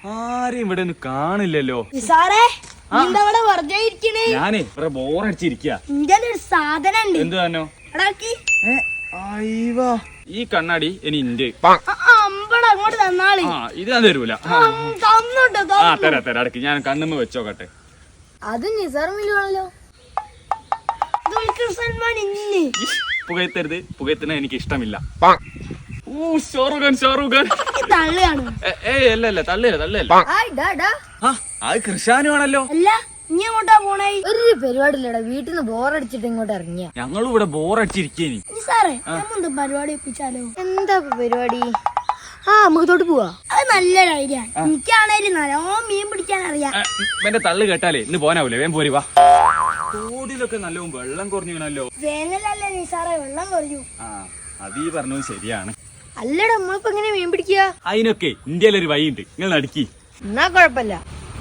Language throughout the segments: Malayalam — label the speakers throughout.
Speaker 1: ആരെയും ഇവിടെ ഒന്നും കാണില്ലല്ലോ.
Speaker 2: ഞാനേ ഇവിടെ ബോറടിച്ചിരിക്ക.
Speaker 1: സാധനം
Speaker 2: എന്ത് തന്നോ? ഈ കണ്ണാടി ഇനി ഇന്റെ ഇത് ഞാൻ തരൂല. തരാ അടക്ക്. ഞാൻ കണ്ണുമ്മ വെച്ചോക്കട്ടെ.
Speaker 3: അത് നിസാറുമില്ലാണല്ലോ.
Speaker 2: പുകയത്തരുത്. പുകയത്തിന് എനിക്ക് ഇഷ്ടമില്ല. ഷാറുഖാൻ അല്ല തള്ളിയല്ല. അത് കൃഷാനുവാണല്ലോ.
Speaker 3: ഒരു പരിപാടിയില്ലടാ. വീട്ടിൽ നിന്ന് ബോറടിച്ചിട്ട് ഇങ്ങോട്ട് ഇറങ്ങിയ.
Speaker 2: ഞങ്ങളും ഇവിടെ ബോറടിച്ചിരിക്കേനി.
Speaker 3: പരിപാടി എന്താ പരിപാടി? നമുക്ക് തൊട്ട് പോവാ.
Speaker 4: അത് നല്ലൊരു ഐഡിയ. എനിക്കാണേലും നല്ലോണം മീൻ പിടിക്കാൻ അറിയാം.
Speaker 2: എന്റെ തള്ളു കേട്ടാലേ ഇന്ന് പോനാവൂലേ? വേം പോരി വാ. തോടിലൊക്കെ നല്ലോണം വെള്ളം കുറഞ്ഞോ.
Speaker 4: വേനലല്ലേ നിസാറേ, വെള്ളം കുറഞ്ഞു.
Speaker 2: അതീ പറഞ്ഞത് ശരിയാണ്.
Speaker 3: അല്ലടാ, നമ്മളിപ്പോ എങ്ങനെ മീൻ പിടിക്കുക?
Speaker 2: അതിനൊക്കെ ഇന്ത്യയിലൊരു വഴിയുണ്ട്. നിങ്ങൾ നടുക്കി.
Speaker 3: എന്നാ കൊഴപ്പല്ല.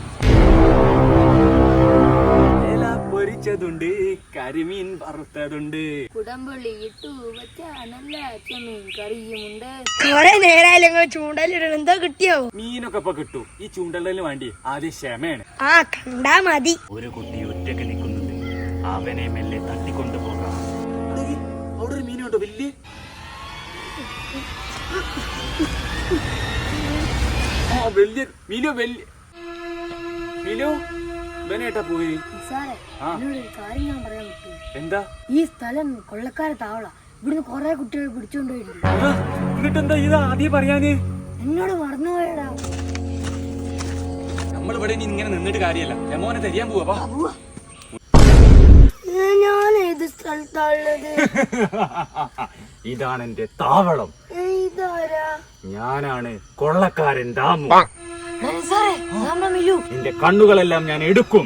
Speaker 2: പൊരിച്ചതുണ്ട്, കരിമീൻ വറുത്തതുണ്ട്,
Speaker 3: കുടംപുള്ളി ഇട്ടു വെച്ച നല്ല ചെമ്മീൻ കറിയുമുണ്ട്.
Speaker 4: കൊറേ നേരായാലും ചൂണ്ടലിടണം. എന്തോ കിട്ടിയോ?
Speaker 2: മീനൊക്കെ ഇപ്പൊ കിട്ടൂ. ഈ ചൂണ്ടലിന് വേണ്ടി ആദ്യം ക്ഷമയാണ്.
Speaker 4: കണ്ടാ മതി.
Speaker 2: ഒരു കുട്ടി ഒറ്റക്ക് നിൽക്കുന്നുണ്ട്. അവനെ മെല്ലെ തട്ടിക്കൊണ്ടു പോകാം. അവിടെ ഒരു മീനുണ്ടോ വലിയ? വലിയ മീനോ? ഇവനേട്ടാ പോയി.
Speaker 3: കാര്യം ഞാൻ പറയാൻ പറ്റൂ.
Speaker 2: എന്താ?
Speaker 3: ഈ സ്ഥലം കൊള്ളക്കാരെ താവള. ഇവിടുന്ന് കൊറേ കുട്ടികൾ പിടിച്ചോണ്ടുപോയിട്ടുണ്ട്.
Speaker 2: എന്നിട്ടെന്താ ഇത് ആദ്യം പറയാന്?
Speaker 3: എന്നോട് മറന്നുപോയടാ.
Speaker 2: നമ്മളിവിടെ ഇങ്ങനെ നിന്നിട്ട് കാര്യമല്ല. രമോനെ തരിയാൻ പോവാ.
Speaker 4: ഞാൻ ഏത് സ്ഥലത്താണുള്ളത്?
Speaker 2: ഇതാണ് എന്റെ താവളം.
Speaker 4: ഇതാരാ?
Speaker 2: ഞാനാണ് കൊള്ളക്കാരൻ ദാമു.
Speaker 3: മിലു,
Speaker 2: നിന്റെ കണ്ണുകളെല്ലാം ഞാൻ എടുക്കും.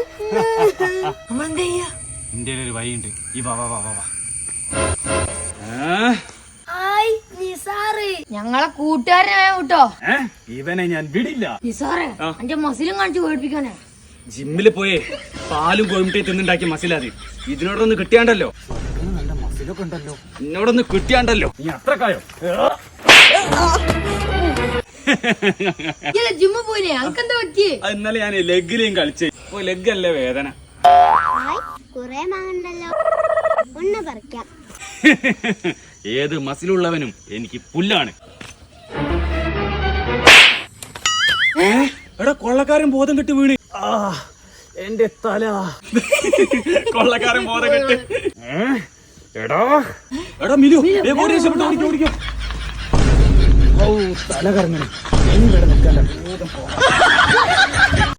Speaker 3: നമ്മളെന്താ
Speaker 2: ഒരു വഴിയുണ്ട്. ഈ വാ.
Speaker 3: ഞങ്ങളെ കൂട്ടുകാരനെ കേട്ടോ.
Speaker 2: ഇവനെ ഞാൻ വിടില്ല.
Speaker 3: നിസാറേ, എന്റെ മസിലും കാണിച്ച് പേടിപ്പിക്കാനാ.
Speaker 2: ജിമ്മില് പോയേ പാലും കോഴിമുട്ടയും തിന്നുണ്ടാക്കിയ മസിലാതി. ഇതിനോടൊന്ന് കിട്ടിയാണ്ടല്ലോ. നല്ല മസിലൊക്കെ ഉണ്ടല്ലോ. എന്നോടൊന്ന് കിട്ടിയാണ്ടല്ലോ. നീ അത്രക്കായോ?
Speaker 3: ജിമ്മ് പോയില്ലേ? അനക്കെന്താ പറ്റിയേ?
Speaker 2: ഇന്നലെ ഞാൻ ലെഗിലേയും കളിച്ചേ. ഇപ്പൊ ലെഗ് അല്ലേ വേദന.
Speaker 4: ഒന്ന് പറിക്കാം.
Speaker 2: ഏത് മസിലുള്ളവനും എനിക്ക് പുല്ലാണ്. എടാ, കൊള്ളക്കാരൻ ബോധം കെട്ട് വീണ്. എന്റെ തല. കൊള്ളക്കാരൻ ബോധം കെട്ട്. എടാ മിലു, ഓടിക്കോ. തല കറങ്ങണം.